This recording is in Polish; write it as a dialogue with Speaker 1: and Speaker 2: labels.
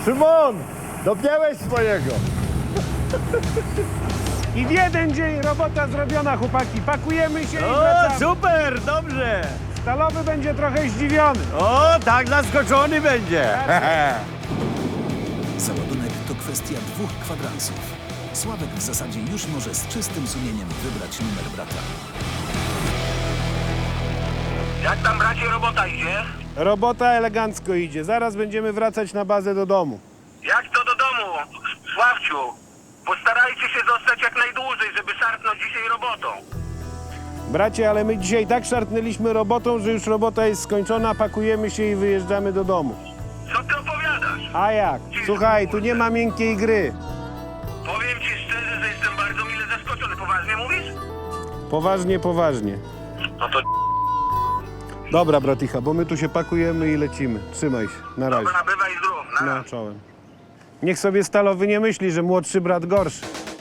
Speaker 1: Szymon, dopiąłeś swojego.
Speaker 2: I w jeden dzień robota zrobiona, chłopaki. Pakujemy się i
Speaker 1: O,
Speaker 2: wracamy.
Speaker 1: super, dobrze.
Speaker 2: Stalowy będzie trochę zdziwiony.
Speaker 1: O, tak zaskoczony będzie.
Speaker 3: Załadunek to kwestia 2 kwadransów. Sławek w zasadzie już może z czystym sumieniem wybrać numer brata.
Speaker 4: Jak tam, bracie, robota idzie?
Speaker 2: Robota elegancko idzie. Zaraz będziemy wracać na bazę do domu.
Speaker 4: Jak to do domu, Sławciu? Postarajcie się zostać jak najdłużej, żeby szarpnąć dzisiaj robotą.
Speaker 2: Bracie, ale my dzisiaj tak szarpnęliśmy robotą, że już robota jest skończona, pakujemy się i wyjeżdżamy do domu.
Speaker 4: Co ty opowiadasz?
Speaker 2: A jak? Słuchaj, tu nie ma miękkiej gry.
Speaker 4: Powiem ci szczerze, że jestem bardzo mile zaskoczony. Poważnie mówisz?
Speaker 2: Poważnie, poważnie.
Speaker 4: No to
Speaker 2: Dobra, braticha, bo my tu się pakujemy i lecimy. Trzymaj się. Na razie.
Speaker 4: dobra, bywaj zdrów. Na
Speaker 2: No,
Speaker 4: razie.
Speaker 2: czołem. Niech sobie Stalowy nie myśli, że młodszy brat gorszy.